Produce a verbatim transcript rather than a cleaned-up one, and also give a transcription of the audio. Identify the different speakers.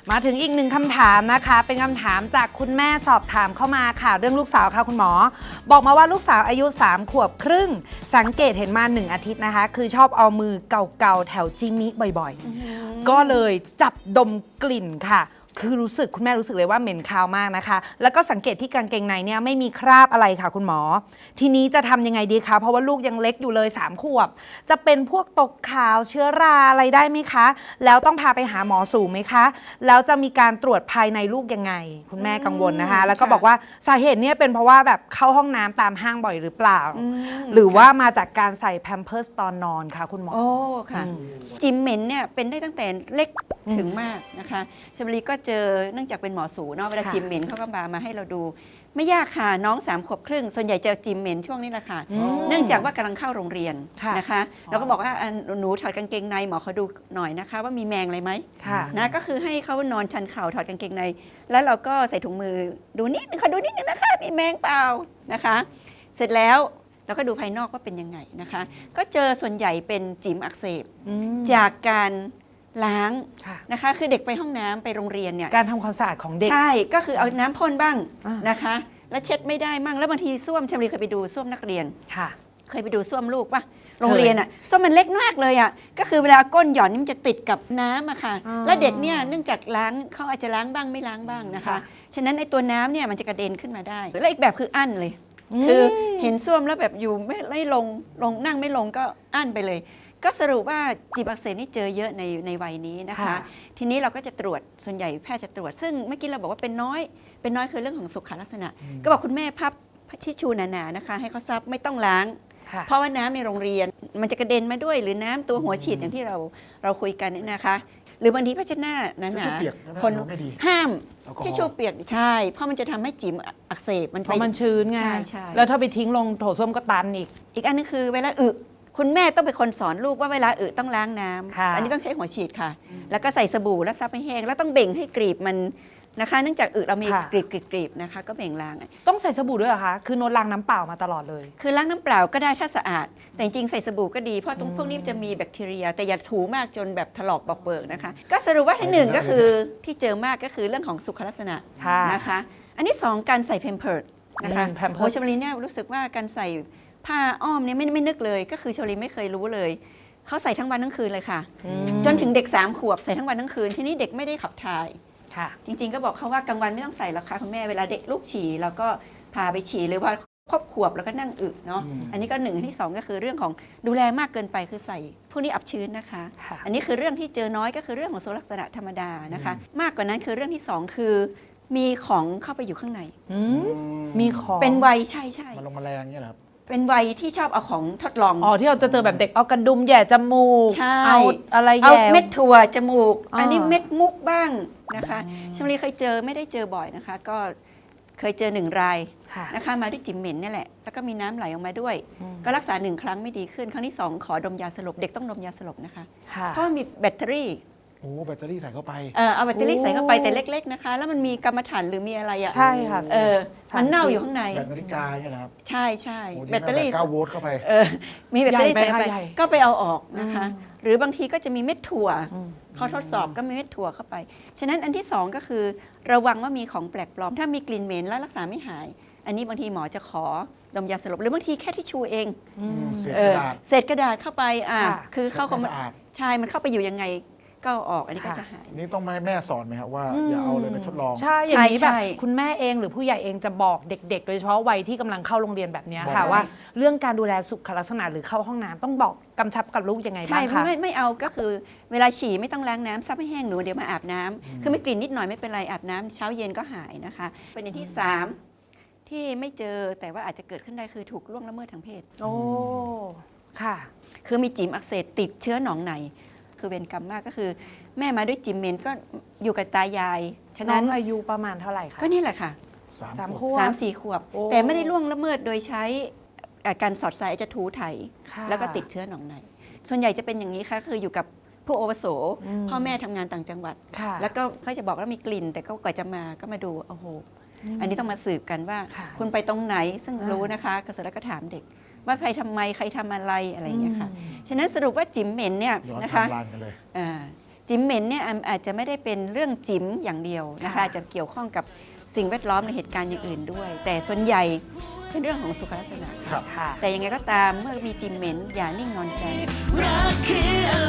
Speaker 1: มาถึงอีกหนึ่งคำถามนะคะเป็นคำถามจากคุณแม่สอบถามเข้ามาค่ะเรื่องลูกสาวค่ะคุณหมอบอกมาว่าลูกสาวอายุสามขวบครึ่งสังเกตเห็นมาหนึ่งอาทิตย์นะคะคือชอบเอามือเก่าๆแถวจิมิบ่อยๆก็เลยจับดมกลิ่นค่ะคือรู้สึกคุณแม่รู้สึกเลยว่าเหม็นคาวมากนะคะแล้วก็สังเกตที่กางเกงในเนี่ยไม่มีคราบอะไรค่ะคุณหมอทีนี้จะทำยังไงดีคะเพราะว่าลูกยังเล็กอยู่เลยสามขวบจะเป็นพวกตกขาวเชื้อราอะไรได้ไหมคะแล้วต้องพาไปหาหมอสูงไหมคะแล้วจะมีการตรวจภายในลูกยังไงคุณแม่กังวลนะคะแล้วก็บอกว่าสาเหตุเนี่ยเป็นเพราะว่าแบบเข้าห้องน้ำตามห้างบ่อยหรือเปล่าหรือว่ามาจากการใส่แพมเพิร์สตอนนอนค่ะคุณหมอ
Speaker 2: โอ้ค่ะจิมเหม็นเนี่ยเป็นได้ตั้งแต่เล็กถึงมากนะคะชมรีก็เจอเนื่องจากเป็นหมอสูเนาะเวลาจิมเหม็นเขาก็มามาให้เราดูไม่ยากค่ะน้องสามขวบครึ่งส่วนใหญ่จะจิมเหม็นช่วงนี้แหละค่ะเนื่องจากว่ากำลังเข้าโรงเรียนนะคะเราก็บอกว่าหนูถอดกางเกงในหมอเขาดูหน่อยนะคะว่ามีแมงอะไรไหมนะก็คือให้เขานอนชันเข่าถอดกางเกงในแล้วเราก็ใส่ถุงมือดูนิดนึงเขาดูนิดนึงนะคะมีแมงเปล่านะคะเสร็จแล้วเราก็ดูภายนอกว่าเป็นยังไงนะคะก็เจอส่วนใหญ่เป็นจิ๋มอักเสบจากการล้างนะคะคือเด็กไปห้องน้ำไปโรงเรียนเนี่ย
Speaker 1: การทำความสะอาดของเด็ก
Speaker 2: ใช่ก็คือเอาน้ำพ่นบ้างนะคะแล้วเช็ดไม่ได้มั่งแล้วบางทีส้วมชมรีเคยไปดูส้วมนักเรียนเคยไปดูส้วมลูกป่ะโรงเรียนอ่ะส้วมมันเล็กมากเลยอ่ะก็คือเวลาก้นหย่อนนี่มันจะติดกับน้ำอะค่ะแล้วเด็กเนี่ยเนื่องจากล้างเขาอาจจะล้างบ้างไม่ล้างบ้างนะคะฉะนั้นไอ้ตัวน้ำเนี่ยมันจะกระเด็นขึ้นมาได้และอีกแบบคืออั้นเลยคือเห็นส้วมแล้วแบบอยู่ไม่ไม่ลงลงนั่งไม่ลงก็อั้นไปเลยก็สรุปว่าจิบอักเสบนี่เจอเยอะในในวัยนี้นะคะทีนี้เราก็จะตรวจส่วนใหญ่แพทย์จะตรวจซึ่งเมื่อกี้เราบอกว่าเป็นน้อยเป็นน้อยคือเรื่องของสุขลักษณะก็บอกคุณแม่พับทิชชูหนาๆนะคะให้เขาซับไม่ต้องล้างเพราะว่าน้ำในโรงเรียนมันจะกระเด็นมาด้วยหรือน้ำตัวหัวฉีดอย่างที่เราเราคุยกันนี่นะคะหรือบางทีผ้าเช็ดหน้านั้นนะคนห้ามทิชชูเปียกใช่เพราะมันจะทำให้จิ๋มอักเสบมันไป
Speaker 1: มันชื้นไงแล้วถ้าไปทิ้งลงโถส้วมก็ตันอีก
Speaker 2: อีกอันนึงคือเวลาอึคุณแม่ต้องเป็นคนสอนลูกว่าเวลาอึต้องล้างน้ำอันนี้ต้องใช้หัวฉีดค่ะแล้วก็ใส่สบู่แล้วซับให้แห้งแล้วต้องเบ่งให้กรีบมันนะคะเนื่องจากอึเรามีกรีบกรีบนะคะก็เบ่งล้าง
Speaker 1: ต้องใส่สบู่ด้วยเหรอคะคือโน้ตล้างน้ำเปล่ามาตลอดเลย
Speaker 2: คือล้างน้ำเปล่าก็ได้ถ้าสะอาดแต่จริงๆใส่สบู่ก็ดีเพราะตรงพวกนี้จะมีแบคทีเรียแต่อย่าถูมากจนแบบถลอกบอกเบิกนะคะก็สรุปว่าที่หนึ่งก็คือที่เจอมากก็คือเรื่องของสุขลักษณะนะคะอันที่สองการใส่เพมเพิร์ดนะคะโอ้ชมรีเนี่ยรู้สึกว่าการใส่ผ้าอ้อมเนี่ยไม่ไม่นึกเลยก็คือชมรีไม่เคยรู้เลยเขาใส่ทั้งวันทั้งคืนเลยค่ะจนถึงเด็กสามขวบใส่ทั้งวันทั้งคืนทีนี้เด็กไม่ได้ขับถ่ายจริงๆก็บอกเขาว่ากลางวันไม่ต้องใส่หรอกค่ะคุณแม่เวลาเด็กลูกฉี่เราก็พาไปฉี่หรือว่าครบขวบแล้วก็นั่งอึเนาะอันนี้ก็หนึ่งที่สองก็คือเรื่องของดูแลมากเกินไปคือใส่พวกนี้อับชื้นนะคะอันนี้คือเรื่องที่เจอน้อยก็คือเรื่องของโซลักษณะธรรมดานะคะมากกว่านั้นคือเรื่องที่สองคือมีของเข้าไปอยู่ข้างใน
Speaker 1: มีของ
Speaker 2: เป็นวัยใช่ใช่
Speaker 3: มาลงมาแรงเนี่ยเหรอครับ
Speaker 2: เป็นวัยที่ชอบเอาของทดลอง
Speaker 1: อ๋อที่เราจะเจอแบบเด็กเอากระดุมแย่จมูกเอาอะไรแย่
Speaker 2: เอาเม็ดถั่วจมูกอันนี้เม็ดมุกบ้างนะคะชมรีเคยเจอไม่ได้เจอบ่อยนะคะก็เคยเจอหนึ่งรายนะคะมาด้วยจิ๋มเหม็นนี่แหละแล้วก็มีน้ำไหลออกมาด้วยก็รักษาหนึ่งครั้งไม่ดีขึ้นครั้งที่สองขอดมยาสลบเด็กต้องดมยาสลบนะคะเพราะมีแบตเตอรี่
Speaker 3: โอ้แบตเตอรี่ใส่เข้าไป
Speaker 2: เออเอาแบตเตอรี่ใส่เข้าไปแต่เล็กๆนะคะแล้วมันมีกรรมฐานหรือมีอะไรอ่ะ
Speaker 1: ใช่ค่ะ
Speaker 2: เออมันเน่าอยู่ข้างใน
Speaker 3: แบตนาฬิกาเนี่ยนะครับ
Speaker 2: ใช่ใช่แบตเตอรี่
Speaker 3: เก้าโวลต์เข้าไป
Speaker 2: เออมีแบตเตอรี่ใส่ไปก็ไปเอาออกนะคะหรือบางทีก็จะมีเม็ดถั่วเขาทดสอบก็มีเม็ดถั่วเข้าไปฉะนั้นอันที่สองก็คือระวังว่ามีของแปลกปลอมถ้ามีกลิ่นเหม็นแล้วรักษาไม่หายอันนี้บางทีหมอจะขอดมยาสลบหรือบางทีแค่ทิชชูเองเศษกระดาษเข้าไปอ่าคือเข้าของใช่มันเข้าไปอยู่ยังไงก็ออกอันนี้ก็จะหาย
Speaker 3: นี่ต้องให้แม่สอนไหมครับว่าอย่าเอาเลยไปทดลอง
Speaker 1: ใช่อย่างนี้แบบคุณแม่เองหรือผู้ใหญ่เองจะบอกเด็กๆโดยเฉพาะวัยที่กำลังเข้าโรงเรียนแบบนี้ค่ะว่าเรื่องการดูแลสุขลักษณะหรือเข้าห้องน้ำต้องบอกกำชับกับลูกยังไงบ้างคะ
Speaker 2: ใช่ไม่ไม่เอาก็คือเวลาฉี่ไม่ต้องล้างน้ำซับให้แห้งหนูเดี๋ยวมาอาบน้ำคือไม่กลิ่นนิดหน่อยไม่เป็นไรอาบน้ำเช้าเย็นก็หายนะคะประเด็นที่สามที่ไม่เจอแต่ว่าอาจจะเกิดขึ้นได้คือถูกล่วงละเมิดทางเพศ
Speaker 1: โอ้ค่ะ
Speaker 2: คือมีจิ๋มอักเสบติดเชื้อหนองในคือเวรกรรมมากก็คือแม่มาด้วยจิ๋มเหม็นก็อยู่กับตายาย
Speaker 1: ฉะนั้นอายุประมาณเท่าไหร่คะ
Speaker 2: ก็นี่แหละค่ะ
Speaker 1: สามขวบ
Speaker 2: สามสี่ขวบแต่ไม่ได้ล่วงละเมิดโดยใช้การสอดสายจะถูไถแล้วก็ติดเชื้อหนองในส่วนใหญ่จะเป็นอย่างนี้ค่ะคืออยู่กับผู้อาวุโสพ่อแม่ทำงานต่างจังหวัดแล้วก็เขาจะบอกว่ามีกลิ่นแต่ก็กว่าจะมาก็มาดูโอ้โหอันนี้ต้องมาสืบกันว่าคุณไปตรงไหนซึ่งรู้นะคะกระทรวงก็ถามเด็กว่าใครทำไมใครทำอะไรอะไรอย่างเงี้ยค่ะฉะนั้นสรุปว่าจิ๋มเหม็นเนี่ยนะคะจิ๋มเหม็นเนี่ยอาจจะไม่ได้เป็นเรื่องจิ๋มอย่างเดียวนะคะ
Speaker 1: ค่ะ
Speaker 2: อาจจะเกี่ยวข้องกับสิ่งแวดล้อมในเหตุการณ์อย่างอื่นด้วย แต่ส่วนใหญ่เป็นเรื่องของสุขลักษณะ
Speaker 3: ครับ
Speaker 1: ค่ะ
Speaker 2: แต่ยังไงก็ตามเมื่อมีจิ๋มเหม็นอย่านิ่งนอนใจ
Speaker 4: รักคืออะไร